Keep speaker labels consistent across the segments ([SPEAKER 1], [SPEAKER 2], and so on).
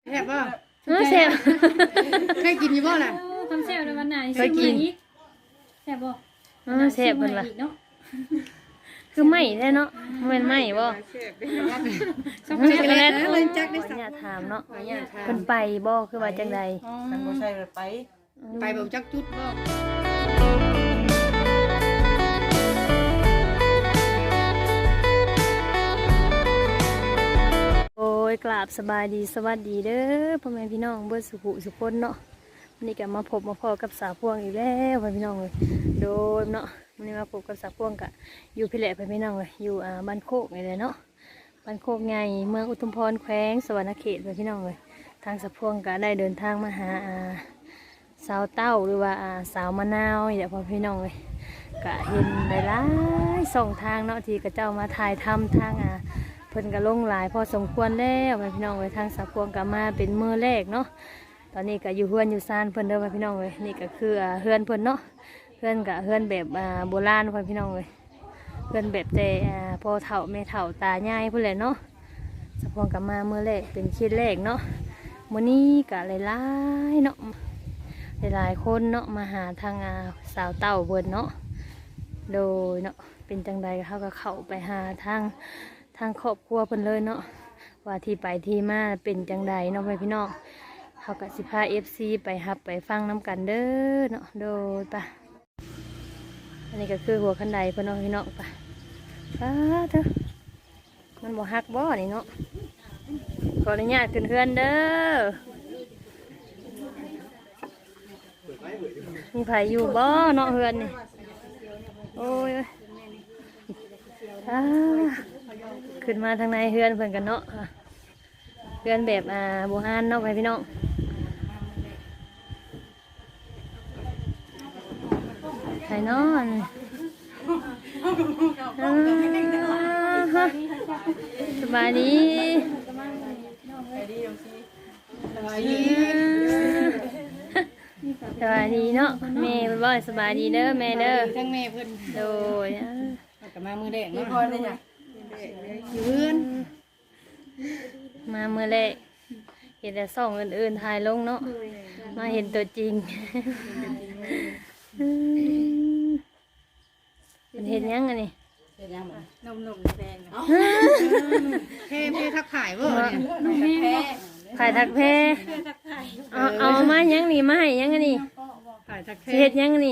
[SPEAKER 1] แซ่บบ่
[SPEAKER 2] แซ่บ
[SPEAKER 1] เคยกินอยู่บ่ล่ะ
[SPEAKER 3] คำแซ่บในวันไหน
[SPEAKER 2] เคยกิน
[SPEAKER 3] แซ่บบ่
[SPEAKER 2] แซ่บเพิ่นล่ะคือไหม้แท้เนาะแม่นไหม้บ่
[SPEAKER 1] ช็อกโกแลตเลยจักได้สัก
[SPEAKER 2] อย่าถามเนาะเพิ่นไปบ่คือว่าจังใด
[SPEAKER 4] ทางบ่ใช่ไป
[SPEAKER 1] บ่จักจุดบ่
[SPEAKER 2] โอ้ยกราบสบายดีสวัสดีเด้อพ่อแม่พี่น้องเบิดสุขุสุคนเนาะวันนี้ก็มาพบมาพอกับสาวพวงอีกแล้วพ่อพี่น้องเลยโดยเนาะวันนี้มาพบกับสาวพวงกะอยู่พิเรศพ่อพี่น้องเลยอยู่บ้านโคกนี่เลยเนาะบ้านโคกใหญ่เมืองอุทุมพรแขวงสวรรณเขตพ่อพี่น้องเลยทางสาวพวงกะได้เดินทางมาหาสาวเต้าหรือว่าสาวมะนาวนี่แหละพ่อพี่น้องเลยกะเห็นหลายๆส่องทางเนาะที่กระเจ้ามาถ่ายทำทางเพิ่นก็ลงหลายพอสมควรแล้วพี่น้องเลยทางสาวพวงก็มาเป็นมือแรกเนาะตอนนี้ก็อยู่เฮือนอยู่ซานเพิ่นเด้อพี่น้องเลยนี่ก็คือเฮือนเพิ่นเนาะเฮือนกับเฮือนแบบโบราณพี่น้องเลยเฮือนแบบแต่พ่อเฒ่าแม่เฒ่าตายายเพิ่นแหละเนาะสาวพวงก็มามือแรกเป็นคิดแรกเนาะมื้อนี้ก็หลายๆเนาะหลายๆคนเนาะมาหาทางสาวเต้าเพิ่นเนาะโดยเนาะเป็นจังใดเขาก็เข้าไปหาทางครอบครัวเพิ่นเลยเนาะว่าที่ไปที่มาเป็นจังใดเนาะพี่น้องเขากับสิพาFCไปฮับไปฟังน้ำกันเด้อเนาะโดยปะอันนี้ก็คือหัวคันไดเพิ่นเนาะพี่น้องปะเถอะมันบ่ฮักบ่นี่เนาะขออนุญาตขึ้นเฮือนเด้อมีไผอยู่บ่เนาะเฮือนนี่โอ้ยขึ้นมาทางในเฮือนเพิ่นกันเนาะเฮือนแบบโบราณเนาะพี่น้องไข่นอนสบายดีสบายดีเนาะแม่เพิ่นบ่สบายดีเด้อแม่เด้อ
[SPEAKER 1] ทั้งแม่เพิ่น
[SPEAKER 2] โดย
[SPEAKER 1] ก็มามือแรกเนาะ
[SPEAKER 4] พอได้จ้ะ
[SPEAKER 1] อยู่เฮือน
[SPEAKER 2] มาเมื่อแรกเห็นแต่ส่องอื่นๆถ่ายลงเนาะมาเห็นตัวจริงเป็นเห็นยังไงนี่
[SPEAKER 4] นมแดง
[SPEAKER 1] เพ่ทักขายบ่เนี่ย
[SPEAKER 2] ขายทักแพเอามายังนี่มาให้ยังไงนี่
[SPEAKER 1] ขายทักแพ
[SPEAKER 2] เห็ดยังไงนี่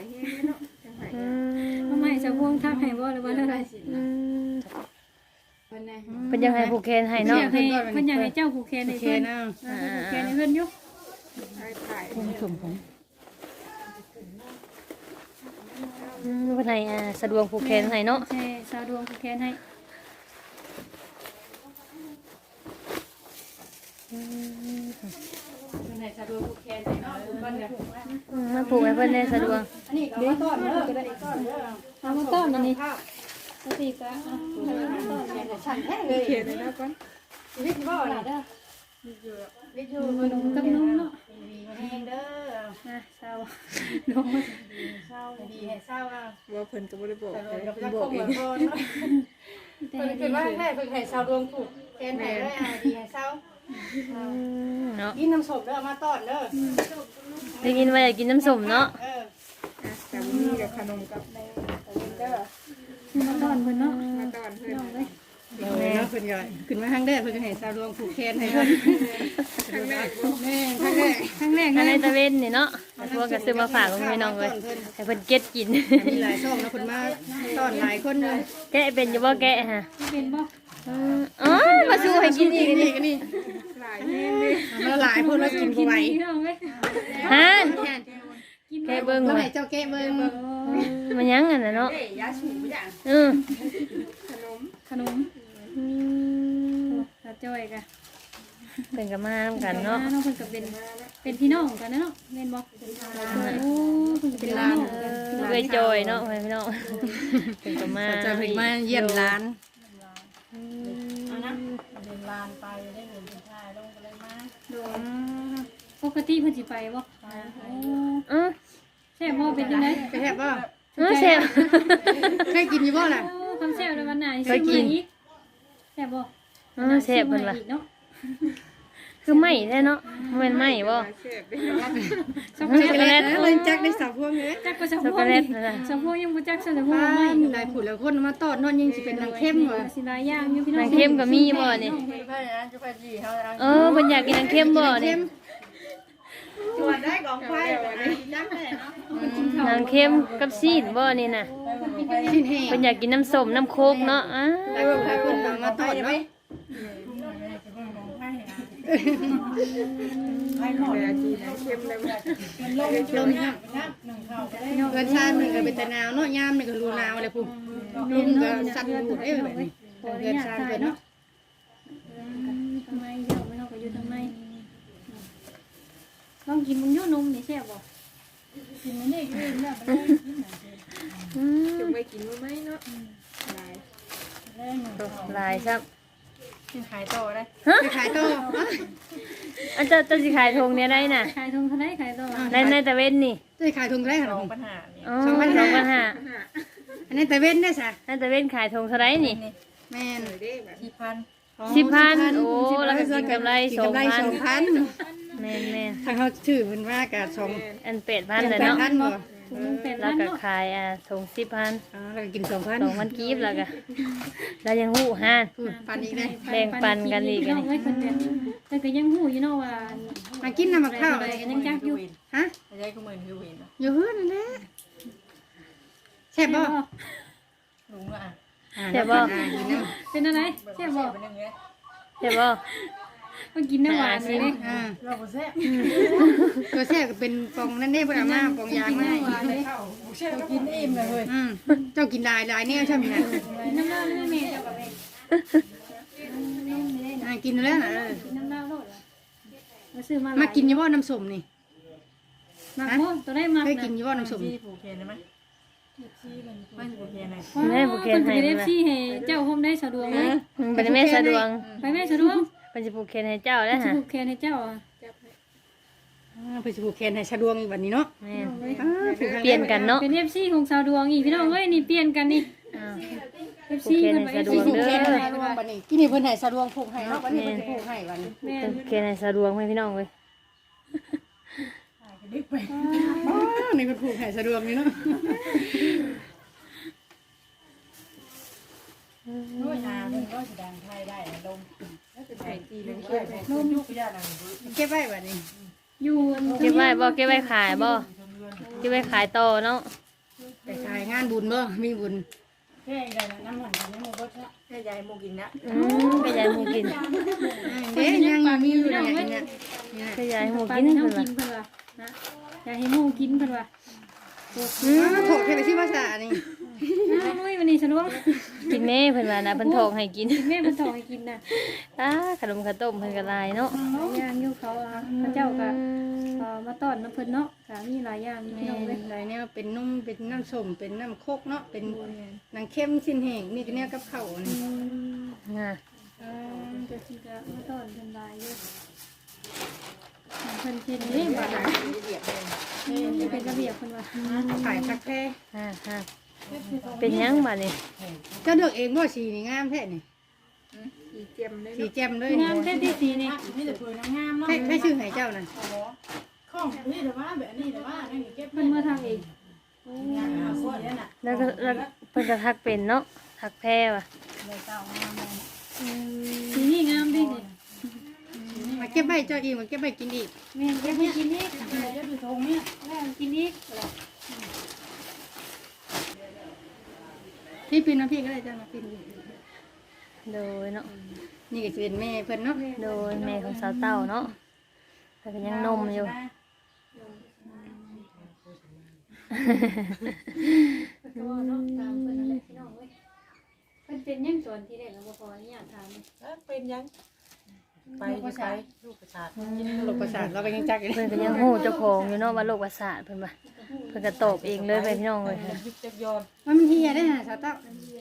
[SPEAKER 3] ทำไมจะพ่วงทักให้บ่หรือว่าอะไร
[SPEAKER 2] เป็นยังไงผูกแขนให้เนาะ
[SPEAKER 3] อยากให้เจ้าผูกแขนในเพื่อนผูกแขนในเพื่อนยุก
[SPEAKER 2] เป็นไงสะดวกผูกแขนให้เนาะ
[SPEAKER 3] ใช่สาวดวงผูกแขนให้
[SPEAKER 2] มาผูกให้เพื่อนได้สะดวก
[SPEAKER 3] เอามาต้อนอันนี้สติกะ
[SPEAKER 1] เขียนเลยนะก่อนวิทย์บ่ล่ะเด้อวิทย์อยู่กับน้องเนาะแห้งเด้อ
[SPEAKER 3] นะสาว
[SPEAKER 1] น้องเศร้าดีให้เศร้าว่าเพิ่นก็บ่ได้บอกเพิ่นบอกเองเพิ่นคิดว่าแม่เพิ่นให้เศร้าดวงถูกแทนให้ได้ดีให้เศร้า
[SPEAKER 2] เนาะ
[SPEAKER 1] กินน้ำส้มเด้อมาต้อนเด้อ
[SPEAKER 2] ได้ยินว่าอยากกินน้ำส้มเนาะ
[SPEAKER 1] แต่มีกับขนมกับเด้อ
[SPEAKER 3] มาต้อนเพื่อนเนาะ
[SPEAKER 1] มาต้อนเพิ่นเลยเดี๋ยวเนาะเพิ่นก็ขึ้นมาครั้งแรกเพิ่นก็ให้เศร้าดวงผูกแขนให้เพิ่นครั้งแรกแม่ครั้งแรก
[SPEAKER 2] อันในตะเวนนี่เนาะพวกก็ซื้อมาฝากพี่น้องเลยให้เพิ่นเก็ตกิน
[SPEAKER 1] มีหลายช่องนะคนมาต้อนหลายคนเลย
[SPEAKER 2] แกะเป็นอยู่บ่แกะฮะ
[SPEAKER 3] เป็นบ่
[SPEAKER 2] อ๋อมาสู้ให้กินอีกนี่
[SPEAKER 1] นี่หลายแม่เลยมาหลายคนแล้วกินบ่ไหว
[SPEAKER 3] พี่น้องเว้ย
[SPEAKER 2] ฮะ
[SPEAKER 3] กิน
[SPEAKER 2] แกะเบิ่ง
[SPEAKER 1] แล้ว
[SPEAKER 2] ว่า
[SPEAKER 1] ให้เจ้าแกะเบิ่ง
[SPEAKER 2] มันยังอันน่ะเนาะอือ
[SPEAKER 3] ขนมตาจ้อยกะ
[SPEAKER 2] เป็นกับมาทำกันเนาะ
[SPEAKER 3] น้องเพิ่นก็เป็นพี่น้องกันเนาะแม่นบ่โอ้เพิ่นเป็นน้องกัน
[SPEAKER 2] เคยจอยเนาะพี่น้องเป็นกับมา
[SPEAKER 1] จะเพิ่งมาเยี่ยมร้าน
[SPEAKER 3] โดนปกติเพิ่นสิไปบ่ แซ่บบ่เป็นจังได๋
[SPEAKER 1] ไปแทบบ่
[SPEAKER 2] แซ่บ
[SPEAKER 1] เคยกินอยู่บ่ล่ะ
[SPEAKER 3] คำแซ่บในวันไหน
[SPEAKER 2] เคยกิน
[SPEAKER 3] แซ่บบ่
[SPEAKER 2] แซ่บเพิ่นล่ะ
[SPEAKER 3] เนาะ
[SPEAKER 2] คือไหมแท้เนาะบ่แม่นไหมบ่
[SPEAKER 3] ช็อกโก
[SPEAKER 2] ช็อกโก
[SPEAKER 3] แล
[SPEAKER 2] แล
[SPEAKER 3] ต
[SPEAKER 2] ต
[SPEAKER 1] เพิ่นจักได้สาวพวงเลย
[SPEAKER 3] จักก็ช็อก
[SPEAKER 2] ช็อก
[SPEAKER 3] โก
[SPEAKER 2] โก
[SPEAKER 3] แล
[SPEAKER 2] แล
[SPEAKER 3] ต
[SPEAKER 2] ตนะ
[SPEAKER 3] ช็อกโกยังบ่จักช็อกโก
[SPEAKER 1] บ้า
[SPEAKER 3] แลต
[SPEAKER 1] นหลายผู้หลายคนมาตอดนอนยังสิเป็นนางเข้มว่ะ
[SPEAKER 3] สิหลายอย่างอยู่พี่น้อง
[SPEAKER 2] นางเข้มก็มีบ่นี่
[SPEAKER 4] ไปนะจะไปจีเขาแล้ว
[SPEAKER 2] เออเพิ่นอยากกินนางเข้มบ่นี่
[SPEAKER 4] ตรวจได้กองไฟแบบนี้จังเลยเนาะ
[SPEAKER 2] นางเข้มกับซีนบ่นี่น่ะ
[SPEAKER 1] ชิ้นแห้ง
[SPEAKER 2] เพิ่นอยากกินน้ำส้มน้ำโคกเนาะอ้า
[SPEAKER 1] หลายผู้หลายคนมาตอดเนาะ
[SPEAKER 4] ให้หมด
[SPEAKER 1] ลมเกินชาตินึงก็เป็นตะนาวเนาะยามนี่ก็รูนาวเลยพุ่นลมก็สั่นหูดเอ้ยแบบนี้เกินชาติเกินเนาะ
[SPEAKER 3] ทำไมเดี๋ยวไม่ต้องไปอยู่ทำไมลองกินมึงโยนมนี่แซ่บบ่กินมันนี่กินแบบ
[SPEAKER 2] จะไปกินบ่ไหมเนาะหลายซับ
[SPEAKER 4] ขายต่อได้
[SPEAKER 1] ไปขายต่อ
[SPEAKER 2] อันจะสิขายทงเนี่ยได้น่ะ
[SPEAKER 3] ขายทงเท่าไรขายต่อ
[SPEAKER 2] ในตะเวนนี่
[SPEAKER 1] จะขายถุงได้ขนาด
[SPEAKER 4] ปัญหาเนี่ย
[SPEAKER 2] อ๋อ2,500
[SPEAKER 1] อันนี้แต่เว้นได้ซะ
[SPEAKER 2] ในตะเวนขายทงเท่าไหร่นี่
[SPEAKER 1] แม่น
[SPEAKER 4] ที่พัน
[SPEAKER 2] 10,000โอ้แล้วก็กินกำไร
[SPEAKER 1] กินกำไร
[SPEAKER 2] 2,000 แม่น
[SPEAKER 1] ถ้าเขาถือมันว่ากะ2
[SPEAKER 2] ๆอัน8,000เลยเนาะ
[SPEAKER 1] 8,000บ่
[SPEAKER 3] ถุงนึงเป็ด
[SPEAKER 2] แล้ว
[SPEAKER 3] ล้าน
[SPEAKER 2] ก็
[SPEAKER 3] เนาะ
[SPEAKER 2] ขายทง10,000
[SPEAKER 1] แล้วก็กิน2,000
[SPEAKER 2] 2,000กีบแล้วก็แล้วยังหู้ห้าน
[SPEAKER 1] ปันอีกได้
[SPEAKER 2] แบ่งปันกันอีก
[SPEAKER 3] พี่น้องเอ้ยคนเดียวแต่ก็ยังหู้อยู่เนาะว่า
[SPEAKER 1] มากินน้ำมะพร้าว
[SPEAKER 3] อะไรกันยังจักอยู่
[SPEAKER 1] ฮะ
[SPEAKER 4] ใช้ก็เหมือนคือวิน
[SPEAKER 1] อยู่เฮือนนั่นแหละแซ่บบ่
[SPEAKER 4] ลุงอ่ะ
[SPEAKER 2] แซ่บบ่
[SPEAKER 3] เป็นอะไรแซ่บบ่
[SPEAKER 4] เป็นยังไง
[SPEAKER 2] ใช่บ่
[SPEAKER 3] มากินน้ำหวานเลยเด้
[SPEAKER 1] อ่า
[SPEAKER 4] เราก็แซ่บ
[SPEAKER 1] ตัวแซ่บก็เป็นปองนั่นเด้เพิ่นเอามาปองยางมา
[SPEAKER 3] หวานเลย
[SPEAKER 4] กินอิ่มเลยเฮ้ย
[SPEAKER 1] เจ้ากินหลายแนวใช่มั้ยน่ะ
[SPEAKER 3] กินน้ำเหล้าเลยแม่เจ้ากับแม่
[SPEAKER 1] กินแล้วน่ะ
[SPEAKER 3] กินน้ำเหล้าโลดล่ะมาซื้อมา
[SPEAKER 1] มา
[SPEAKER 3] มา
[SPEAKER 1] กินอยู่บ่น้ำส้มนี่
[SPEAKER 3] มาโคตัวได้มา
[SPEAKER 1] เคยกินอยู่บ่น้ำส้ม
[SPEAKER 4] ที่ผูกเคนได้ไหมไม่ผูกเคนไหน
[SPEAKER 2] แม่บุกเคนให้
[SPEAKER 3] เอ
[SPEAKER 2] เพิ่น
[SPEAKER 3] ฟซีให้เจ้าโฮมได้สะดวกเลย
[SPEAKER 2] เป็นแม่สะดวง
[SPEAKER 3] ไปแม่สะดวก
[SPEAKER 2] เพิ่นสิปลูกเคนให้เจ้าแล้ว
[SPEAKER 3] จะ
[SPEAKER 2] ฮะ
[SPEAKER 3] ผูกแขนให้เจ้าอ่ะ
[SPEAKER 1] เพิ่นสิผูกแขนให้สะดวกอีกบัดนี้เนาะ
[SPEAKER 2] แม่น
[SPEAKER 1] ผูกให้
[SPEAKER 2] เปลี่ยนกันเนาะ
[SPEAKER 3] เป็นเอฟซีของสาวดวงอีกพี่น้องเอ้ยนี่เปลี่ยนกันนี่
[SPEAKER 2] อ้าว
[SPEAKER 3] เอฟซีเพิ่นว่าเอฟ
[SPEAKER 2] ผู
[SPEAKER 3] ซี
[SPEAKER 2] ก
[SPEAKER 1] ผูก
[SPEAKER 2] แข
[SPEAKER 1] แข
[SPEAKER 2] น
[SPEAKER 1] น
[SPEAKER 2] ให้
[SPEAKER 1] ให้สะดวกบัดนี้กินนี่เพิ่นให้สะดวกผูกให้เนาะบัดนี้เพิ่นสิผูกให้บัดนี้
[SPEAKER 3] แม่
[SPEAKER 2] เป็นเคนให้สะดวงให้พี่น้องเว้ย
[SPEAKER 1] นี่เพิ่นผูกให้สะดวกนี่เนาะ
[SPEAKER 4] ด้วยอาเงินก็แสดงไทยได้ลมแล้วจะไทยจีเลยช่วยลมยุกยาดัง
[SPEAKER 1] เก็บไว้บัดนี้
[SPEAKER 3] อยู่
[SPEAKER 2] เก็บไว้บ่เก็บไว้ขายบ่เก็บไว้ขายต่อเนาะ
[SPEAKER 1] ไปขายงานบุญบ่มีบุญ
[SPEAKER 4] แค่ใหญ่น้ำหวานน้ำมันก็แค่ใหญ่โมกินนะ
[SPEAKER 2] ขยายหมูกิน
[SPEAKER 1] เด้ยังมีอยู่เนี่ย
[SPEAKER 2] ขยายหมู
[SPEAKER 3] ปลา
[SPEAKER 2] กิน
[SPEAKER 3] ที่
[SPEAKER 2] เพิ่
[SPEAKER 3] เฮาน
[SPEAKER 2] ว่า
[SPEAKER 3] กินเพิ่นว่านะอยากให้หมู่กินเพิ่นว่า
[SPEAKER 1] โถกให้ไปที่ภาษานี่
[SPEAKER 3] อ้าวนุ้ยวันนี้สะดวก
[SPEAKER 2] กินแม่เพิ่นว่านะเพิ่นทองให้กิน
[SPEAKER 3] แม่เพิ่นส่งให้กินน่ะ
[SPEAKER 2] ขนมข้าวต้มเพิ่นก็หลายเนาะ
[SPEAKER 3] ย่างอยู่เขาพระเจ้าก็มาต้อนน้ำเพิ่นเนาะก็มีหลายอย่างอยู่พี่น้องเว้ย
[SPEAKER 1] หลายแนวเป็นนุ่มเป็นน้ำส้มเป็นน้ำโคกเนาะเป็นนางเข้มสิ้นแห้งนี่ก็แนวกับข้าวนี่
[SPEAKER 2] น่ะ
[SPEAKER 3] เดี๋ยวสิก็มาต้อนเพิ่นหลายอยู่เพิ่นเฮ็ดนี่บ่ล่ะนี่เป็นระเบียบเพิ่นว่า
[SPEAKER 1] ขายคักแท้
[SPEAKER 2] ฮะเป็นหยังบัดนี้
[SPEAKER 1] เจ้าเลือกเองบ่สีนี่งามแท้นี่
[SPEAKER 4] สีเจียมเลย
[SPEAKER 1] สีแจ่มเลย
[SPEAKER 3] งามแท้ที่สีนี่
[SPEAKER 4] นี่แต่เพื่อนงามเนาะ
[SPEAKER 1] ให้ชื่อให้เจ้านั่น
[SPEAKER 4] ข้องนี่แต่ว่าแบบนี้แต่ว่านั่นเก็บ
[SPEAKER 3] เพิ่นมาทางเอง
[SPEAKER 4] งานหาส่วนนี่น่ะ
[SPEAKER 2] แล้วก็เพิ่นก็ทักเป็นเนาะทักแพ้ว่ะ
[SPEAKER 4] เลยเจ้างามเลย
[SPEAKER 3] สีนี่งามดินี่
[SPEAKER 1] มาเก็บไว้เจ้าอีกมาเก็บไว้กินอีก
[SPEAKER 3] แม่เก็บให้กินอีก
[SPEAKER 4] เดี๋ยวดูทงเนี่ย
[SPEAKER 3] แม่กินอีก
[SPEAKER 1] พี่ปินมาพี่ก็ได้เจ้ามาปิน
[SPEAKER 2] โดยเนาะ
[SPEAKER 1] นี่ก็จะเป็นแม่เพิ่นเนาะ
[SPEAKER 2] โดยแม่ของสาวเต้าเนาะแต่ก็ยังนมอยู่
[SPEAKER 3] ก็ว่าเนาะตามเพิ่นนั่นแหละพี่น้องเว้ยเพิ่นเป็นยังสวนที่แรกแล้วบ่พอนี่อยากถาม
[SPEAKER 4] เป็นยังไปลูกประชา
[SPEAKER 1] โรคประสาทเราก็ยังจักอยู่
[SPEAKER 2] เพิ่นก็ยังฮู้เจ้าของอยู่เนาะว่าโรคประสาทเพิ่นว่าเพิ่นก็ตอบเองเลยไปพี่น้องเลย
[SPEAKER 4] ยึดจักยอน
[SPEAKER 1] มันเฮียได้ฮะสาวเต้า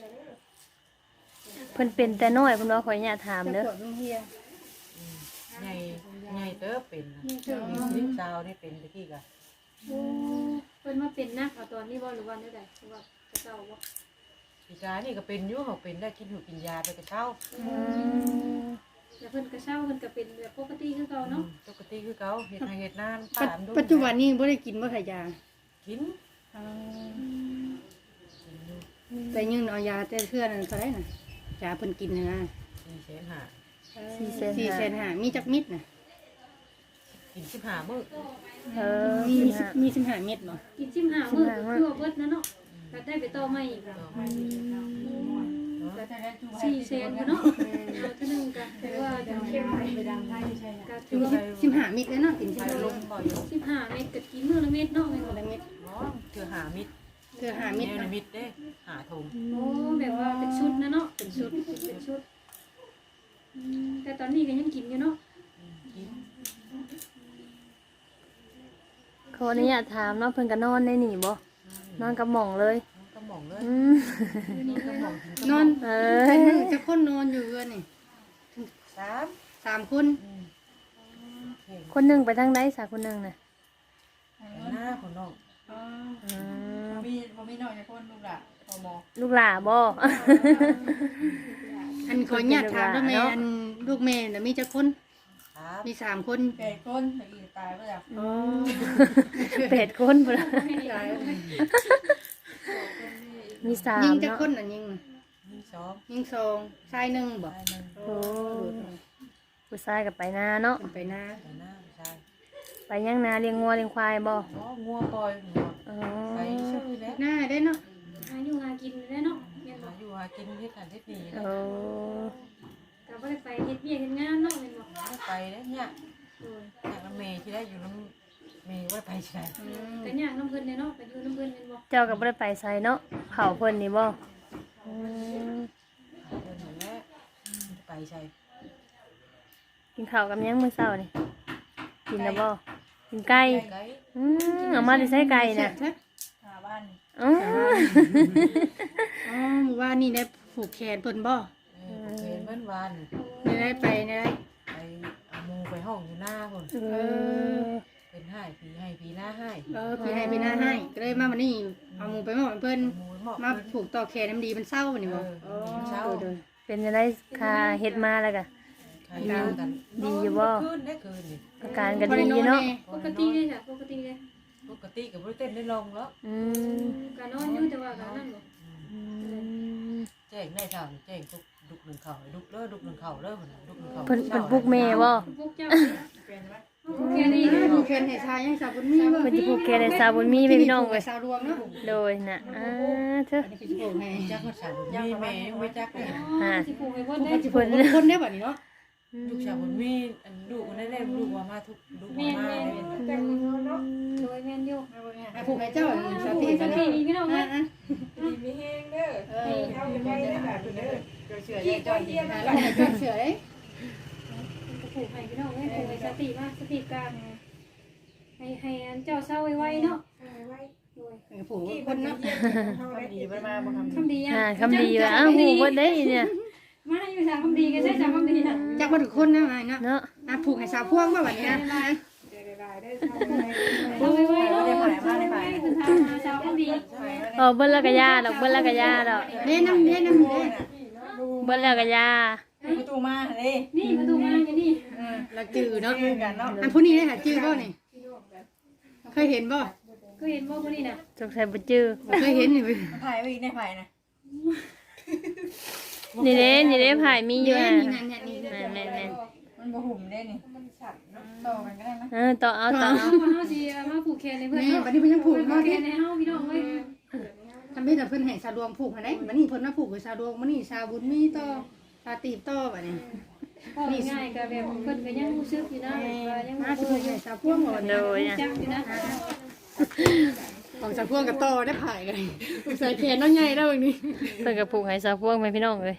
[SPEAKER 2] เพิ่นเป็นแต่น้อยเพิ่นว่าขออนุญาตถามเด้อ
[SPEAKER 1] ปวดมันเฮีย
[SPEAKER 4] ใหญ่เติบเป็นสิบสาวนี่เป็นตะกี้กะ
[SPEAKER 3] โอ้เพิ่นมาเป็นนักเอาตอนนี้บ่หรือว่าได้ใดหรือว่าจะเจ้าบ่
[SPEAKER 4] ปีกานี่ก็เป็นอยู่เขาเป็นได้กินหูกินยาไปแต่เช้า
[SPEAKER 3] แต่เพิ่นก็เศร้าเพิ่นก็เป็นแบบปกติคือเก่าเนาะ
[SPEAKER 4] ปกติคือเก่าเฮ็ดให้เฮ็ดนานป้ามดู
[SPEAKER 1] ปัจจุบันนี้บ่ได้กินบ่ขายยา
[SPEAKER 4] กิน
[SPEAKER 1] แต่ยังเอายาแต่เทื่อนั้นเท่าไหร่น่ะยาเพิ่นกินน่ะนะ
[SPEAKER 4] 4,500
[SPEAKER 1] 4,500,000มีจักมิดน่ะ
[SPEAKER 4] กิน15มื้อ
[SPEAKER 1] มี15เม็ดบ่
[SPEAKER 3] กิน15มื้อคือว่าเบิดนะเนาะก็ได้ไปต่อใหม่อีกแล้ว4แสนเนาะเอาเท่านึงก็ถือว่าจะเข้มไปดังไทยใช่ก็ถือว่า
[SPEAKER 1] 15เม็ดเลยเนาะกิน
[SPEAKER 4] ไป
[SPEAKER 1] 15
[SPEAKER 4] ลงบ่อยู่
[SPEAKER 3] 15เม็ดก็กินมื้อละเม็ดเนาะแม่นบ่
[SPEAKER 1] เม็ด
[SPEAKER 4] บ่เทื่อ5มิตร
[SPEAKER 1] เทื่อ5เม็ด
[SPEAKER 4] แนว
[SPEAKER 1] เนาะ
[SPEAKER 4] มิตรเด้5ถุง
[SPEAKER 3] โอ้แบบว่าเป็นชุดนะเนาะเป็นชุดแต่ตอนนี้ก็ยังกินอยู่เนาะ
[SPEAKER 4] กิน
[SPEAKER 2] ขออนุญาตถามเนาะเพิ่นก็นอนได้นี่บ่นอนกับหม่องเลย
[SPEAKER 4] ก็หม่องเลย
[SPEAKER 2] อืม
[SPEAKER 4] ก็หม่องกิน
[SPEAKER 1] นอน
[SPEAKER 2] เอ
[SPEAKER 1] เพิ่
[SPEAKER 2] อน
[SPEAKER 1] จะคนนอนอยู่เรือนนี่ 3คน
[SPEAKER 2] คนหนึงไปทางใดสาคนหนึงน่ะ
[SPEAKER 4] หน้าของน้อง
[SPEAKER 1] อ๋อ
[SPEAKER 2] อืม
[SPEAKER 4] บ่มีน้อยจักคนลูกล่ะพอหมอ
[SPEAKER 2] ลูกหล่าบ่
[SPEAKER 1] อันขออนุญาตถามด้วยแม่อันลูกแม่น่ะมีจักคน
[SPEAKER 4] ครับ
[SPEAKER 1] มี3คน
[SPEAKER 4] 8คนตะกี้ตายไปแล้ว
[SPEAKER 1] อ๋อ
[SPEAKER 2] 8คนพุ่นล่ะมี3
[SPEAKER 1] ยิงจัก
[SPEAKER 2] เนาะ
[SPEAKER 1] คนน่ะยิง
[SPEAKER 4] มี2
[SPEAKER 1] ยิง2ชาย1บ่
[SPEAKER 4] ตายนึง
[SPEAKER 2] โอ้ผู้ชายก็ไปนาเนาะ
[SPEAKER 1] เพิ่นไปนา
[SPEAKER 4] แต่หน้าใช่
[SPEAKER 2] ไปยังนาเลี้ยงงัวเลี้ยงควายบ่
[SPEAKER 4] อ๋องัวปล่อยงัว
[SPEAKER 2] อ๋อ
[SPEAKER 4] ไปชื่อแล้ว
[SPEAKER 1] หน้าได้เนาะ
[SPEAKER 3] หาอยู่หากินได้เนาะแม่นบ่
[SPEAKER 4] หาอยู่หากินเฮ็ดหันเฮ็ดนี่
[SPEAKER 2] โอ้
[SPEAKER 3] ก็บ่ได้ไปเฮ็ดเวียกเฮ็ดงานเนาะแม่นบ่
[SPEAKER 4] ไปแล้วเนี่ย
[SPEAKER 3] โอ้ย
[SPEAKER 4] จากน้ำเมย์ที่ได้อยู่น้ำเมย์ว่าไปใช่
[SPEAKER 3] ก็ยากน้ำเพิ่นเนาะไปอยู่น้ำเพิ่นแม่นบ่
[SPEAKER 2] เจ้าก็บ่ได้ไปไสเนาะเผาเพิ่นนี่บ่อืม
[SPEAKER 4] เดินหนแล้วไปใช่
[SPEAKER 2] กินข้าวกับหยังมื้อเช้านี่กินแล้วบ่กินไก่
[SPEAKER 4] ไก่
[SPEAKER 2] เอามาได้ใช้ไก่น่ะ
[SPEAKER 4] หาบ้าน
[SPEAKER 2] อ๋อ
[SPEAKER 1] อ๋อหมู่บ้านนี่ได้ผูกแขนเพิ่นบ่
[SPEAKER 4] เป็นเบิ้นวาน
[SPEAKER 1] ได้ไปได้
[SPEAKER 4] ไปเอามูไปห้องอยู่หน้าคน
[SPEAKER 2] เออ
[SPEAKER 4] เป็นให้ผีหน้าให้
[SPEAKER 1] พี่ให้พี่หน้าให้ก็เลยมาวันนี้เอาหมูไปมอบให้เพิ่น
[SPEAKER 4] มูเหมาะ
[SPEAKER 1] มาผูกต่อแขนน้ำดีมันเศร้านี่บ่
[SPEAKER 4] เช้า
[SPEAKER 2] เป็นจังได๋ค่าเฮ็ดมาแล้วก็
[SPEAKER 4] ใครกันกัน
[SPEAKER 2] ดีอยู่บ่
[SPEAKER 4] คืนได้คืนนี่
[SPEAKER 2] อาการก็ดีอยู่เนาะ
[SPEAKER 3] ปกติเลยจ้ะปกติเลย
[SPEAKER 4] ปกติกับบริเต้นได้ลงแล้ว
[SPEAKER 2] อืม
[SPEAKER 3] ก็นอนอยู่แต่ว่าก็นั่นบ่
[SPEAKER 2] อืม
[SPEAKER 4] แจ้งได้ทางแจ้งทุกดุกหนึ่งเข่าดุกเลิศดุกหนึ่งเข่าเลิศดุกหนึ่งเข่า
[SPEAKER 2] เพิ่นปลุกแม่บ่
[SPEAKER 3] พวกเจ้าเนี่ยพวกแกนี่
[SPEAKER 1] ผูกแขนให้ชายยังสาวบุญมีบ่
[SPEAKER 2] เพิ่นสิผูกแขนให้สาวบุญมีแม่พี่น้องเว้ย
[SPEAKER 1] สาวรวมเนาะ
[SPEAKER 2] โดยน่ะเถอะ
[SPEAKER 1] อันนี้คือสิผูกให้
[SPEAKER 4] จักรสาวมีแม่ไม่จักเลย
[SPEAKER 3] สิผูกให้เพิ่น
[SPEAKER 1] ผูก
[SPEAKER 3] ได้
[SPEAKER 1] สิผูกคนได้บัดนี้เนาะ
[SPEAKER 4] ลูกชาวบุญมีอันลูกมันได้เล่นลูกว่ามาทุกลูกว่ามาเนี่ย
[SPEAKER 3] โดยแม่นอยู่
[SPEAKER 1] ผูกให้เจ้าสติ
[SPEAKER 3] สติพี่น้องเอ้ย
[SPEAKER 1] มีแฮงเด้อเอาไปได้แบบเด้อเชื่อได้จอยดีนะแล้วจอยเชื่อเด้
[SPEAKER 3] ผูกให้พี่น้องเอ้ยผูกให้สติมาสติกลางให้เจ้าเศร้าไว้ๆเนาะโดย
[SPEAKER 1] ผูกคนเนาะ
[SPEAKER 4] ดีไปมาบ่ทำ
[SPEAKER 3] คำดีอ่ะ
[SPEAKER 2] คำดีว่าอ้าวฮู้บ่ได้เนี่ย
[SPEAKER 3] มาอยู่ทางคำดีก็ใช่จากคำดีน่ะ
[SPEAKER 1] จักบ่ทุกคนนะนายเนาะ
[SPEAKER 2] เนาะ
[SPEAKER 1] ผูกให้สาวพวงบ่บัดนี้นะ
[SPEAKER 3] เอาไว้ๆเนาะคือทางชาวคำดี
[SPEAKER 2] เบิ่นแล้วก็ยาดอกเบิ่นแล้วก็ยาดอก
[SPEAKER 1] เด้น้ำเด้น้ำเด้
[SPEAKER 2] เบิ่นแล้วก็ยา
[SPEAKER 4] ประตูมาเลย
[SPEAKER 3] นี่ประตูมาอยู่นี่
[SPEAKER 1] ละจือเนาะ
[SPEAKER 4] กันเนาะ
[SPEAKER 1] อันผู้นี้ได้หาจือบ่นี่เคยเห็นบ่
[SPEAKER 3] ก็เห็นว่าคนนี้น่ะ
[SPEAKER 2] สงสัยบ่จื้อ
[SPEAKER 1] เคยเห็นนี่
[SPEAKER 4] ถ่ายไว้ในไผ่นะ
[SPEAKER 2] นี่เด้ผายมีอยู่
[SPEAKER 1] นี่
[SPEAKER 2] อ่ะ
[SPEAKER 1] นี่นั่นนี่
[SPEAKER 2] แม่น
[SPEAKER 4] มันบ่หุ่มได้นี่ต่อกันก็ได้ไหม
[SPEAKER 2] ต่อเอา
[SPEAKER 3] เอาเฮาสิมาผูกแขนให้เพิ่น
[SPEAKER 1] นี่
[SPEAKER 3] เนาะ
[SPEAKER 1] บัดนี้เพิ่นยังผูก
[SPEAKER 3] ผู
[SPEAKER 1] เนาะ
[SPEAKER 3] กแข
[SPEAKER 1] ที่
[SPEAKER 3] นให้เฮาพี่น้องเอ้ย
[SPEAKER 1] ทำให้แต่เพิ่นให้สาวดวงผูกให้ได้บัดนี้เพิ่นมาผูกกับสาวดวงมื้อนี้สาวบุญมีต่อสาตีบต่อบัดนี้
[SPEAKER 3] พอง่ายก็แบบเพิ่นก็ยังรู้สึกอยู่นะว่ายัง
[SPEAKER 1] มาสิผูกให้สาวพวงบ่
[SPEAKER 2] โด
[SPEAKER 1] นี่
[SPEAKER 2] ยอ่ะ
[SPEAKER 3] จักอยู่นะ
[SPEAKER 1] ของสาวพวงกับต่อได้ผายกันใส่แขนน้องใหญ่แล้วบัดนี้
[SPEAKER 2] เพิ่นก็ผูกให้สาวพวงไปพี่น้องเอ้ย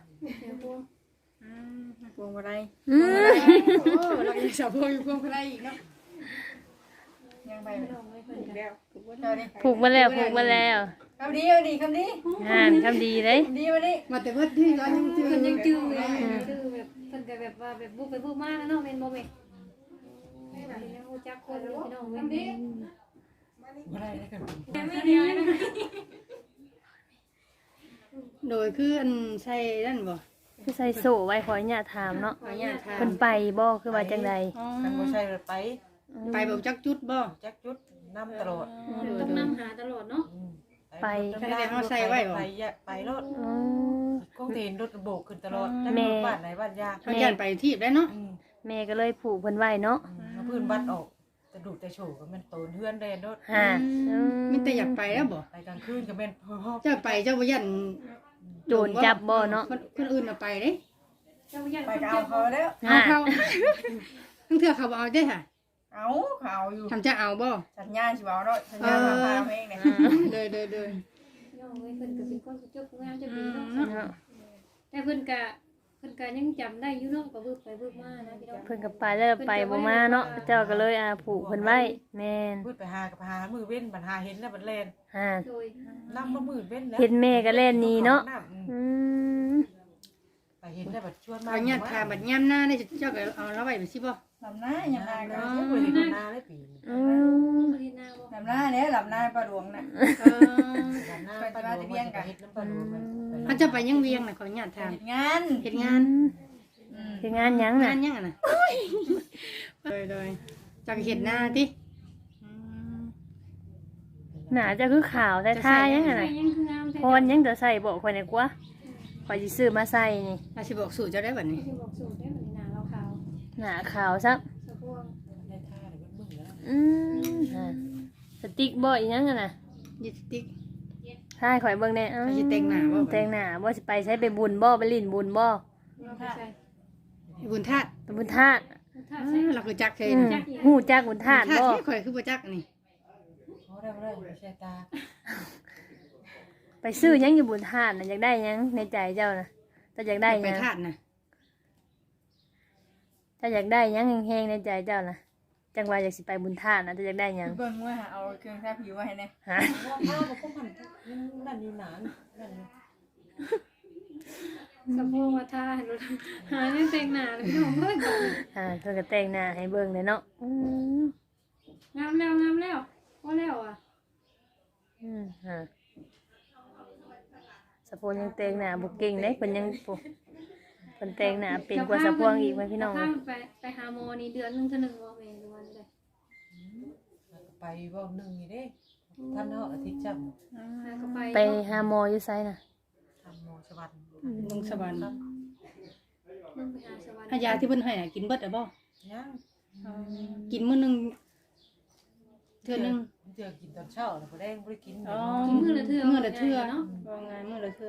[SPEAKER 1] พวงบ่ได้
[SPEAKER 2] อืม
[SPEAKER 1] โอ้เราอีกสาวพวงอยู่พวงบ่ได้อีกเนาะ
[SPEAKER 4] ยังไป
[SPEAKER 3] พี่น้องเอ้ยเพิ่นก็
[SPEAKER 1] แล้ว
[SPEAKER 2] ผูกมาแล้ว
[SPEAKER 4] คำดีคำดี
[SPEAKER 2] คำดีเลย
[SPEAKER 4] คำดีวันนี้
[SPEAKER 1] มาแต่เพิ่นที่เรายังจื้อ
[SPEAKER 3] เพิ่นยังจื้ออยู่จื้อแบบเพิ่นก็แบบว่าแบบบุกไปบุกมาแล้วเนาะแม่นบ่แม่ยังรู้จักคนอยู่พี่น้องเว้ย
[SPEAKER 4] บ่ได้ได้กัน
[SPEAKER 3] ไม่ได้นะ
[SPEAKER 1] โดยคืออันใส่นั่นบ่
[SPEAKER 2] คือใส่โซ่ไว้ขออนุญาตถามเนาะ
[SPEAKER 1] ขออนุญาตถาม
[SPEAKER 2] เพิ่นไปบ่คือว่าจังใด
[SPEAKER 4] กันบ่ใช่ไป
[SPEAKER 1] ไปแบบจักจุดบ่
[SPEAKER 4] จักจุดนำตลอด
[SPEAKER 3] ต้องนำหาตลอดเนาะ
[SPEAKER 4] ไปรถ
[SPEAKER 2] อ๋อ
[SPEAKER 4] ก็เห็นรถโบกขึ้นตลอดนั่นบ้านไหนบ้านยา
[SPEAKER 1] เขาย่านไปที่ได้เนาะ
[SPEAKER 2] แม่ก็เลยผูกเพิ่นไว้เนาะ
[SPEAKER 4] พื้นบ้านออกจะดูแต่โฉก็มันโตนเฮือนได้รถ
[SPEAKER 2] ฮะ
[SPEAKER 1] มีแต่อยากไปแล้วบ่
[SPEAKER 4] ไปกลางคืนก็แม่นพ่อ
[SPEAKER 1] เจ้าไปเจ้าบ่ยัน
[SPEAKER 2] โจรจับบ่เนาะ
[SPEAKER 1] คนอื่นเอาไปเด้
[SPEAKER 3] เจ้าย่าน
[SPEAKER 4] ไปก็เอาเขาแล้ว
[SPEAKER 1] เอา
[SPEAKER 2] ฮะ
[SPEAKER 1] เขาทั้งเทื่อเขาบ่เอาได้ค่ะ
[SPEAKER 4] เอาเขาอยู่
[SPEAKER 1] ทำจะเอาบ่
[SPEAKER 4] สัญญาสิเอาเนาะสัญญาพาเองเนี่ย
[SPEAKER 1] เดิน
[SPEAKER 3] น้องเอ้ยเพิ่นก็เป็นคนเจ้าผู้งามเจ้าดีเนาะ
[SPEAKER 2] เนาะ
[SPEAKER 3] แต่เพิ่นก็ยังจำได้อยู่เนาะก็บึกไปบึกมานะพี่น้อง
[SPEAKER 2] เพิ่นก็ไปแล้วไปบ่มาเนาะเจ้าก็เลยผูกเพิ่นไว้แม่น
[SPEAKER 4] พูดไปหากับหามือเว้นบัดหาเห็นแล้วบัดแลน
[SPEAKER 2] ฮะ
[SPEAKER 3] โดย
[SPEAKER 4] นำมามือเว้นแล้ว
[SPEAKER 2] เห็นแม่ก็เล่นนี่เนาะอืม
[SPEAKER 4] ไปเห็นแล้วบัดชวนมา
[SPEAKER 1] เอาญาติพาบัดย่ำหน้าได้เจ้าก็เอาแล้วไว้ไปสิบ่
[SPEAKER 5] ลำหน้ายังไงก็
[SPEAKER 4] ไม่เคยเห็นนาได้ปี
[SPEAKER 2] อืม
[SPEAKER 3] บ่ได้นาบ่
[SPEAKER 5] ลำหน้าเนี่ยลำหน้าปลาหลวงน่ะ
[SPEAKER 4] หน้าปลาดูเห็นน้ำปลาดูมัน
[SPEAKER 1] เขาจะไปยังเวียงน่ะขอญาติถาม
[SPEAKER 5] เฮ็ดงาน
[SPEAKER 1] เฮ็ดงาน
[SPEAKER 2] คืองานหยัง
[SPEAKER 1] งา
[SPEAKER 2] น่ะ
[SPEAKER 1] นยังอ่ะน่ะโดยจักเฮ็ดหน้าติ
[SPEAKER 2] หน้าจะคือขาวแต่ทายังไง
[SPEAKER 3] ใส่
[SPEAKER 2] น่ะ
[SPEAKER 3] ยังคืองามแท้
[SPEAKER 2] พรยังจะใส่บอกคนไหนกว่าข่อยสิซื้อมาใส่นี่
[SPEAKER 1] อาสิบอกสูตรเจ้าได้บัดนี้
[SPEAKER 3] ที่บอกสูตรได้มันหน้าขาว
[SPEAKER 2] หน้าขาวซัก
[SPEAKER 3] ๆสะพวง
[SPEAKER 4] ได้ท่าเลยมึงแล้ว
[SPEAKER 2] อืมฮะสติ๊กบ่อีหยังอะน่ะ
[SPEAKER 1] ยิสติก
[SPEAKER 2] ทายข่อยเบิ่งแน่อ้าว
[SPEAKER 1] เขาสิแต่งหน้าบ่
[SPEAKER 2] แต่งหน้าบ่สิไปใช้ไปบุญบ่ไปลิ้นบุญบ่
[SPEAKER 3] เราไปใส่
[SPEAKER 1] บุญธาตุ
[SPEAKER 2] ไปบุญธาตุ
[SPEAKER 3] ถ้าใส่
[SPEAKER 1] เราคือจักเคย
[SPEAKER 2] อืมฮู้จักบุญธาตุบ่
[SPEAKER 1] ข่อยคือบ่จักนี่
[SPEAKER 4] เขาได้ไม่ใช่ตา
[SPEAKER 2] ไปซื้อหยังอยู่บุญธาตุน่ะอยากได้หยังในใจเจ้าน่ะเจ้าอยากได้ห
[SPEAKER 1] ไป
[SPEAKER 2] ยัง
[SPEAKER 1] ธาตุน่ะ
[SPEAKER 2] เจ้าอยากได้หยังแฮงๆในใจเจ้าน่ะจังว่าอยากสิไปบุญธาตุน่ะเจ้าอยากได้หยัง
[SPEAKER 5] เบิ่งว่าเอาเครื่องทาผิวไว้ให้แน่
[SPEAKER 2] ฮะ
[SPEAKER 4] ว่าผ้ากับพวกมันนั่นนี่หนานนั่น
[SPEAKER 3] สะพวงว่าทาเห็นบ่หายังแต่งหน้าเลยพี่น้องเอ้ย
[SPEAKER 2] เพิ่นก็แต่งหน้าให้เบิ่งเลยเนาะอืม
[SPEAKER 3] งามแล้วพอแล้วอ่ะ
[SPEAKER 2] ฮะสะโพกยังแต่งหน้าบ่เก่งเด้เพิ่นยังปุ๊เพิ่นแต่งหน้าเป็นกว่าสะโพกอีกไหมพี่น้อง
[SPEAKER 3] ถ้าไปหาหมอนี่เดือนนึงเท่านึงบ่แม่นวันใด
[SPEAKER 4] ไปว่าหนึ่งนี่เด้ท่านเนาะอาทิตย์จำ
[SPEAKER 3] แล้วก็ไป
[SPEAKER 2] ไปหาหมออยู่ไสน่ะ
[SPEAKER 4] ทำโมชวัน
[SPEAKER 1] ลงสวรรค์
[SPEAKER 3] เบิ่งไปหาสวรรค์
[SPEAKER 1] ถ้ายาที่เพิ่นให้น่ะกินเบิดอ่ะบ่
[SPEAKER 4] ยัง
[SPEAKER 1] กินมื้อนึงเทื่อนึง
[SPEAKER 4] เจอกินตอนเช้าแล้วก็ได้ไม่ได้กิน
[SPEAKER 1] อ๋อ
[SPEAKER 3] กินมื้อละเทื่อ
[SPEAKER 1] มื้อละเทื่อ
[SPEAKER 3] เนาะ
[SPEAKER 1] บ่งานมื้อละเทื่อน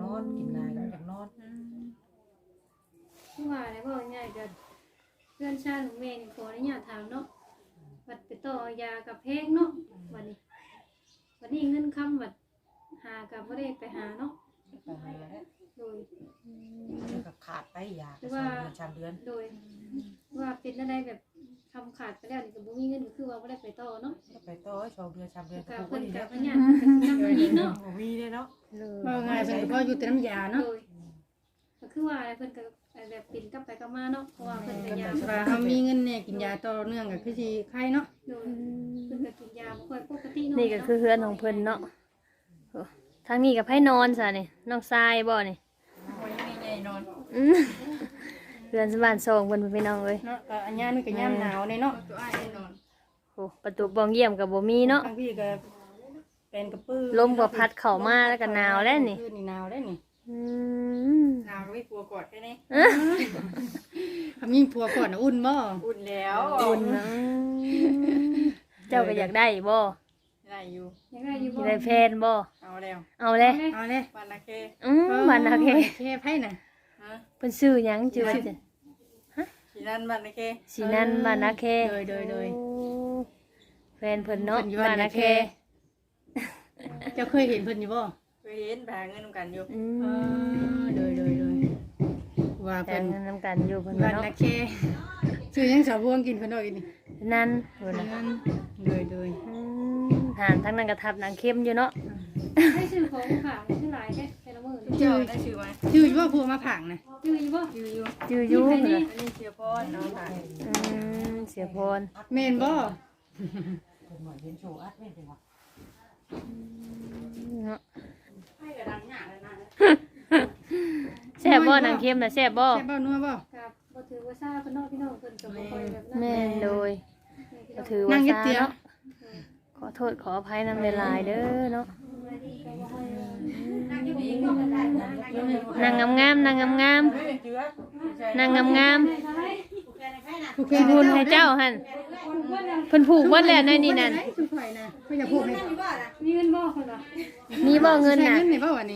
[SPEAKER 4] อนกินนายอยากนอน
[SPEAKER 3] คือว่าได้บ่ง่ายก็เพื่อนชาติของแม่นี่ขออนุญาตถามเนาะบัดไปต่อยากับแพงเนาะวันนี้เงินคำบัดหากับบ่ได้ไปหาเนาะ
[SPEAKER 4] ไปหาแล้ว
[SPEAKER 3] โดย
[SPEAKER 4] ก็ขาดไปยาชามเดือน
[SPEAKER 3] โดยว่าเป็นอะไรแบบทำขาดไปแล้วนี่ก็บ่มีเงินก็คือว่าบ่ได้ไปต่อเนาะ
[SPEAKER 4] ไปต่อชาวเดือนชามเดือน
[SPEAKER 3] ก็
[SPEAKER 4] ก็
[SPEAKER 3] เพิ่น
[SPEAKER 4] ดี
[SPEAKER 3] ก็
[SPEAKER 4] แล้ว
[SPEAKER 3] พยายามนำอีกเนาะ
[SPEAKER 4] มีเลยเนาะ
[SPEAKER 1] บ่ง่ายเพิ่นก็พออยู่แต่น้ำยาเนาะ
[SPEAKER 3] โดยก็คือว่าเพิ่นก็แบบปิ่นกลับไปกลับมาเนาะเพราะว่าเพิ่นก็ยาม
[SPEAKER 1] ว่าเฮามีเงินเนี่ยกินยาต่อเนื่องก็คือสิไข้เนาะ
[SPEAKER 3] โดยเพิ่นก็กินยาบ่ค่อยปกติเนาะ
[SPEAKER 2] นี่ก็คือเฮือนของเพิ่นเนาะโอ้ทางนี้กับไผนอนซะนี่น้องทรายบ่นี่
[SPEAKER 5] โอ้ยไม่ใหญ่นอน
[SPEAKER 2] อืมเฮือนสบ้านทรงเพิ่นพี่น้องเอ้ย
[SPEAKER 1] เนาะก็อันยามนี่ก็ยามหนาวเนี่ยเนาะ
[SPEAKER 5] ตัวอ้ายนอน
[SPEAKER 2] โอ้ประตูบ้องเยี่ยมก็บ่มีเนาะ
[SPEAKER 1] บางทีก็เป็นกระปื้อ
[SPEAKER 2] ลมก็พัดเข้ามาแล้วก็หนาวแล้วนี่
[SPEAKER 1] คืนนี่หนาวแล้วนี่
[SPEAKER 2] อืม
[SPEAKER 5] หนาวก็ไม่กลัวกอดแค่นี้
[SPEAKER 1] ถ้ามีผัวก่อนน่ะอุ่นบ่
[SPEAKER 5] อุ่นแล้ว
[SPEAKER 2] อุ่นนะเจ้าก็อยากได้บ่
[SPEAKER 5] ได้อยู่
[SPEAKER 3] ยังไงอยู่
[SPEAKER 2] อยา
[SPEAKER 3] บ่
[SPEAKER 2] กได้แฟนบ่
[SPEAKER 5] เอาแล้ว
[SPEAKER 2] เอาเลย
[SPEAKER 1] เอาเลย
[SPEAKER 5] วันละเค
[SPEAKER 2] มันโอเค
[SPEAKER 1] แค่ไผน่ะ
[SPEAKER 5] ฮะ
[SPEAKER 2] เพิ่นชื่อหยังชื่อว่าจะ
[SPEAKER 5] สีนั่นวันละเค
[SPEAKER 2] สินันบ้านนาเค
[SPEAKER 1] โดย
[SPEAKER 2] โอ้แฟนเพิ่นเนาะ
[SPEAKER 1] เพิ่นอยู่
[SPEAKER 2] บ้า
[SPEAKER 1] บ้าน น
[SPEAKER 2] นา
[SPEAKER 1] นา
[SPEAKER 2] เค
[SPEAKER 1] เค เจ้าเคยเห็นเพิ่นอยู่บ่
[SPEAKER 5] เคยเห็นไปหาเงินกันอยู่
[SPEAKER 2] อื
[SPEAKER 1] โดยว่า
[SPEAKER 2] แต่
[SPEAKER 1] เพิ่น
[SPEAKER 2] งนำกันอยู่เพิ่น
[SPEAKER 1] บ้าน
[SPEAKER 2] เนาะ
[SPEAKER 1] นาเคชื่อยังสาวพวงกินเพิ่นเอาอีกนี่
[SPEAKER 2] นั่นเพิ่นน่ะ
[SPEAKER 1] โดย
[SPEAKER 2] หานทั้งนั้นก็ทับหนังเข้มอยู่เนาะ
[SPEAKER 3] ให้ซื้อของฝากซื้อหลายแค่แต่ละมื้อนี่
[SPEAKER 5] เจ้าได้ชื่อไหม
[SPEAKER 1] ชื่ออยู่ว่าผัวมาผังน่ะ
[SPEAKER 3] ซื้ออยู่บ่
[SPEAKER 5] ชื่ออยู่
[SPEAKER 2] อยู่อยู่
[SPEAKER 3] ใคร
[SPEAKER 2] เพิ่น
[SPEAKER 3] นี่
[SPEAKER 2] น่ะ
[SPEAKER 5] อันนี้เสียพรน้องผ่าน
[SPEAKER 2] เสียพร
[SPEAKER 1] แม่นบ่
[SPEAKER 4] เป็นหน่อยเห็นโชว์อัดไม่เป็นหรอก
[SPEAKER 2] เนาะแซ่บบ่นางเค็มน่ะแซ่บบ่
[SPEAKER 1] แซ่บบ่นัวบ่
[SPEAKER 3] กับบ่ถือว่าซ่าพี่น้องพี่น้องเพิ่นก็บ่ค่อยแบบนั้น
[SPEAKER 2] แม่นโดยก็ถือว่าซาเนาะขอโทษขออภัยนำหลายๆเด้อเนาะนางงามๆนางงามๆนางงามๆ
[SPEAKER 1] ผูกแข
[SPEAKER 2] สิ
[SPEAKER 1] น
[SPEAKER 2] พูนให้เจ้าหั่นเพิ่นผูกเบิดแล้วในนี่นั่น
[SPEAKER 1] จุข่อยนะเพิ่นอยากผูกให้
[SPEAKER 3] มีเงินบ่คนละ
[SPEAKER 2] มีบ่เงิน
[SPEAKER 1] ใช้
[SPEAKER 2] น่ะ
[SPEAKER 1] เงินนี่บ่วะนี่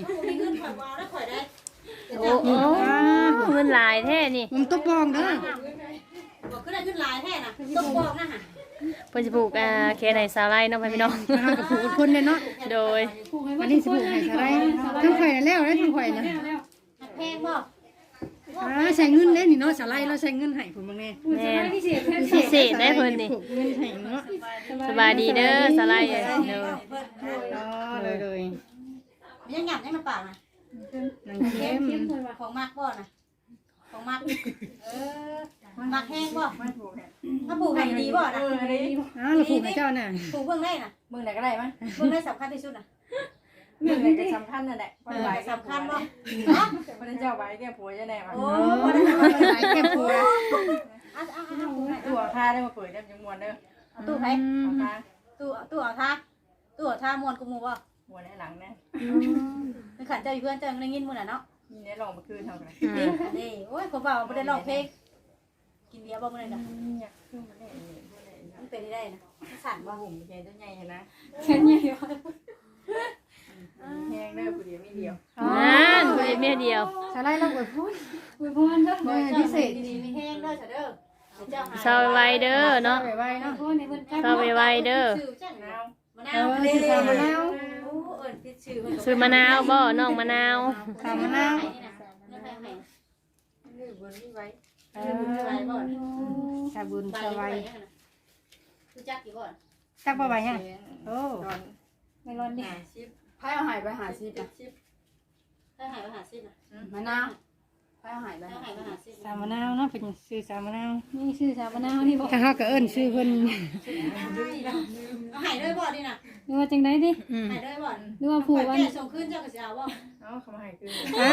[SPEAKER 2] โอ้โหเงินหลายแท้นี่
[SPEAKER 1] ผมตกบองเด้อ
[SPEAKER 6] บอกก็ได้ขึ้นหลายแท้น่ะต้องบอกนะฮะ
[SPEAKER 2] เพิ่นสิผูกแค่ไหนสาวไร่เนาะพี่น้อง
[SPEAKER 1] เฮาก็ผูกคนเนี่ยเนาะ
[SPEAKER 2] โดย
[SPEAKER 1] วันนี้สิผูกให้ซะได้ทั้งข่อยน่ะแล้วได้ทั้งข่อยนะ
[SPEAKER 6] แพงบ่
[SPEAKER 1] ใช้เงินได้นี่เนาะสไลด์เราใช้เงินให้ผมบางแน่
[SPEAKER 2] แม่น
[SPEAKER 3] พิเศษแค่
[SPEAKER 2] พิเศษได้เพิ่นนี่
[SPEAKER 1] ผูกเงินให้เนาะ
[SPEAKER 2] สบายดีเด้อสาวไร่เด้อ
[SPEAKER 1] เลย
[SPEAKER 6] ยังหยับยังมันปากนะ
[SPEAKER 1] นางเข้ม
[SPEAKER 6] ของมากบ่นะของมากมักแห้งบ่ถ้าปลูกให้ดีบ่นะ
[SPEAKER 1] เราผูกให้เจ้าน่ะ
[SPEAKER 6] ปลูกเพิ่งได้น่ะ
[SPEAKER 5] มึงไหนก็ได้มั้ย
[SPEAKER 6] เพิ่งได้สำคัญที่สุดน่ะ
[SPEAKER 5] มึงไหนก็สำคัญนั่นแหละคนไหว
[SPEAKER 6] สำคัญบ่
[SPEAKER 5] คนเจ้าไหวแก้ผัวจะแน่มา
[SPEAKER 6] โอ้บ่ได้
[SPEAKER 1] หลายแก้มผัว
[SPEAKER 6] ปลูกให้
[SPEAKER 5] ตัวค่าได้มาเปิดได้จังมวนเด้อ
[SPEAKER 6] ตู้ไผ
[SPEAKER 5] เอาค่า
[SPEAKER 6] ตู้เอาท่าตู้เอาท่ามวนกูหมู่บ่
[SPEAKER 5] หัวในหลังแน่
[SPEAKER 6] คือขันเจ้าอยู่เพื่อนเจ้าได้ยินมื้อน่ะเนาะ
[SPEAKER 5] มีในลองมาคืนเท่ากัน
[SPEAKER 6] นี่โอ้ยผมว่าบ่ได้ร้องเพลงกินเบียร์บ่มื้อนั้นน่ะ
[SPEAKER 5] อยากขึ้นมาได้
[SPEAKER 6] มันเป็นได้นะสั่นบ่
[SPEAKER 5] หุ่มแกตัวใหญ่นะ
[SPEAKER 3] แค่นี้
[SPEAKER 5] แห้งได้ผู้เดียวไม่เดียว
[SPEAKER 2] นั่นบ่ได้เมียเดียว
[SPEAKER 1] สไลด์เราอวยพร
[SPEAKER 3] อวยพรเด้อ
[SPEAKER 1] บ่พิเศษ
[SPEAKER 6] ดีๆมีแห้งเด้อเด้อเจ้าหา
[SPEAKER 2] เศร้าไวเด้อเนาะ
[SPEAKER 1] ไว้เนาะ
[SPEAKER 3] พรให้เพิ่น
[SPEAKER 2] เศร้าไวเด้อ
[SPEAKER 6] ชื่อจัง
[SPEAKER 5] น้าว
[SPEAKER 6] มะนาวเด้อมะนาวโอ้เอิ้นผิดชื่อเพิ่น
[SPEAKER 2] ซื้อมะนาวบ่น้องมะนาว
[SPEAKER 1] ตามมะนาว
[SPEAKER 5] นี่บนนี่ไว้
[SPEAKER 1] ชาบุญสบาย
[SPEAKER 6] รู้จักกี่บ่
[SPEAKER 1] จักบ่ไหวฮะโอ้
[SPEAKER 5] ตอน
[SPEAKER 3] ไม่ร้อนดิ
[SPEAKER 5] หาชิปไพ่เอาหายไปหาชิปอ่ะชิป
[SPEAKER 6] ถ้าหายไปหาซิน่ะ
[SPEAKER 5] มะนาวไพ่เอาหายไป
[SPEAKER 6] ถ้าหายไปหาซิ
[SPEAKER 1] สามมะนาวเนาะเป็นชื่อสามมะนาว
[SPEAKER 3] นี่ชื่อสามมะนาวนี่บ่
[SPEAKER 1] ถ้าเฮาก็เอิ้นชื่อเพิ่น
[SPEAKER 6] หายด้วยบ่ดิน่ะ
[SPEAKER 3] หรือว่าจังได๋ดิ
[SPEAKER 6] หายด้วยบ่
[SPEAKER 3] หรือว่าผูกวัน
[SPEAKER 6] แก่ส่งขึ้นเจ้าก็สิเอาบ่
[SPEAKER 5] เอาเขามาหายคืน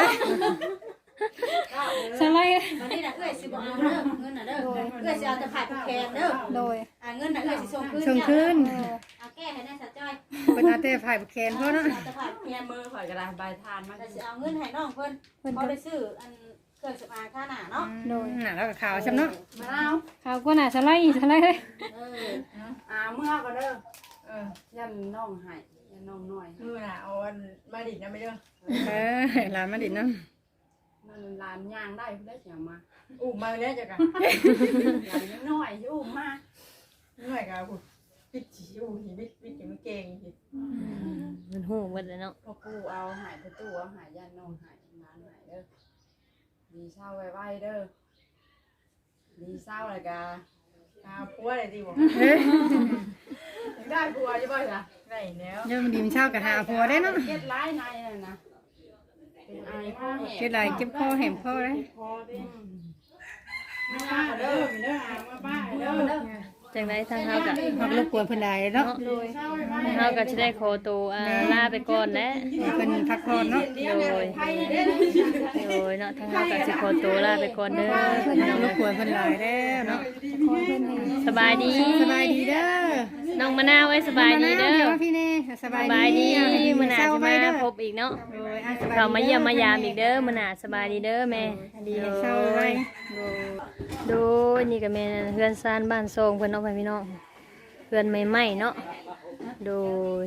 [SPEAKER 3] สไลด์
[SPEAKER 6] วันนี้น่ะเอ้ยสิบ่เอาเด้อเงินน่ะเด้อเอ้ยสิเอาแต่ผ่านแคนเด้อ
[SPEAKER 3] โดย
[SPEAKER 6] เงินน่ะเอ้ยสิส่งขึ้น
[SPEAKER 1] ส่งคืน
[SPEAKER 6] เอาแก้ให้ได้สักจ้อย
[SPEAKER 1] เพิ่นเอาแต่ฝ่ายแขนเพิ่นเนาะ
[SPEAKER 6] เอาแต่ผ่านแค
[SPEAKER 5] แค่
[SPEAKER 6] น
[SPEAKER 5] มือข่อยกระดาษใบทานมา
[SPEAKER 6] แต่สิเอาเงินให้น้องเพิ่นพอได้ซื้ออันเครื่องสำอางค่าหน้าเนาะ
[SPEAKER 1] น่ะแล้วก็ขาวซำเนาะ
[SPEAKER 5] มะนาว
[SPEAKER 3] ข่าวกว่าน่ะสไลด์สไลด์
[SPEAKER 5] เมื่อก็เด้อยันน้องหายยันน้องน้อยมือน่ะเอาอันมาดิดนะไม่เด้อ
[SPEAKER 1] หลานมาดิเนาะ
[SPEAKER 5] มันลานย่างได้เพื่อเสียงมาอุ้มมาแล้วจ้ะกันลานน้อยอุ้มมาน้อยกับผู้ปิดจีอุ้มหิบิดปิดจีมันเก่งหิ
[SPEAKER 2] มันฮู้เบิดแล้วเนาะ
[SPEAKER 5] พอกูเอาหายประตูเอาหายยันน้องหายน้านหายเด้อดีเศร้าไว้เด้อดีเศร้าเลยกาผัวอะไรดีบ่ได้ผัวจะบ่จ้ะได้แล้ว
[SPEAKER 1] เดี๋ยวมันดีมันเช้าก็หาผัวได้เนาะ
[SPEAKER 5] เก็ดร้ายในน่ะนะเป็นไอพ่อแห่
[SPEAKER 1] เก็บหลายเก็บคอแหมคอได้
[SPEAKER 5] พ่อดิป้าเด้อเด้อมาป้าเด้อ
[SPEAKER 2] จังได๋ทางเฮาก็
[SPEAKER 1] เฮาก็รบกวนเพิ่นได้เนาะ
[SPEAKER 2] ทางเฮาก็สิได้ขอตัวลาไปก่อนแหละ
[SPEAKER 1] เพิ่นพักผ่อนเนาะ
[SPEAKER 2] โดยเนาะทางเฮาก็สิขอตัวลาไปก่อนเด้อพี่น้อง
[SPEAKER 1] รบกวนเพิ่นหลายแล้วเนาะ
[SPEAKER 2] สบายดี
[SPEAKER 1] สบายดีเด้อ
[SPEAKER 2] น้องมะนาวเอ้ยสบายดีเด้อ
[SPEAKER 1] พี่เน่สบาย
[SPEAKER 2] สบายดีมื้อหน้า
[SPEAKER 1] เช้า
[SPEAKER 2] จะ
[SPEAKER 1] ไว้
[SPEAKER 2] มา
[SPEAKER 1] เด้อ
[SPEAKER 2] พบอีกเนาะ
[SPEAKER 1] โดยสบาย
[SPEAKER 2] เข้ามาเยี่ยมมายามอีกเด้อมื้อหน้าสบายดีเด้อแม่
[SPEAKER 1] ดีเช้าไว้
[SPEAKER 2] โดยนี่ก็แม่นเฮือนซ่านบ้านทรงเพิ่นเนาะพี่น้องเฮือนใหม่ๆเนาะโดย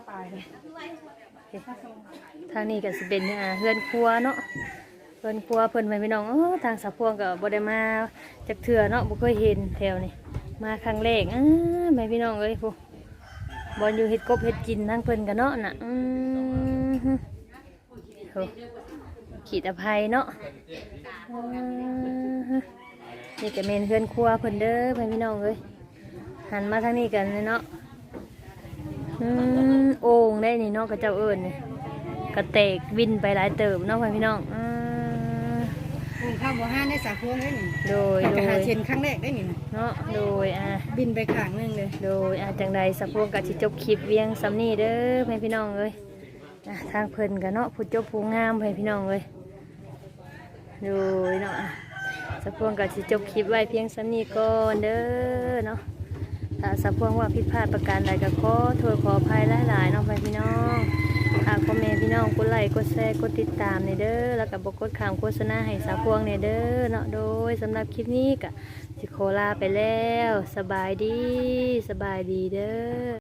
[SPEAKER 2] ทางนี้ก็สิเป็นเฮือนครัวเนาะเฮือนครัวเพิ่นไปพี่น้องทางสะพวงก็บ่ได้มาจักเทื่อเนาะบ่เคยเห็นแถวนี้มาครั้งแรกแม่พี่น้องเอ้ยผู้บอลอยู่เฮ็ดกบเฮ็ดกินทั้งเพิ่นกันเนาะน่ะโหขีดอภัยเนาะนี่ก็เมนเฮือนครัวเพิ่นเด้อแม่พี่น้องเอ้ยหันมาทางนี้กันเลยเนาะโอ่งได้นี่เนาะกับเจ้าเอิญนี่กระเตกวินไปหลายเติมเนาะพี่น้อง
[SPEAKER 1] ผมข้าวบ่ห้าได้สาพวงได้นี่
[SPEAKER 2] โดย
[SPEAKER 1] ไปหาเชนครั้งแรกได้นี่
[SPEAKER 2] เนาะโดย
[SPEAKER 1] บินไปข้างนึงเลย
[SPEAKER 2] โดยจังใดสะพวงกับสิจบคลิปเวียงสำนีเด้อแม่พี่น้องเอ้ยทางเพิ่นกันเนาะผู้จบผู้งามแม่พี่น้องเอ้ยโดยเนาะสะพวงก็สิจบคลิปไว้เพียงสำนี้ก่อนเด้อเนาะถ้าสะพวงว่าผิดพลาดประการใดก็ขอโทษขออภัยหลายๆเนาะพี่น้องหากพ่อแม่พี่น้องกดไลค์กดแชร์กดติดตามในเด้อแล้วก็บ่กดข้ามโฆษณาให้สะพวงในเด้อเนาะโดยสำหรับคลิปนี้ก็สิขอลาไปแล้วสบายดีเด้อ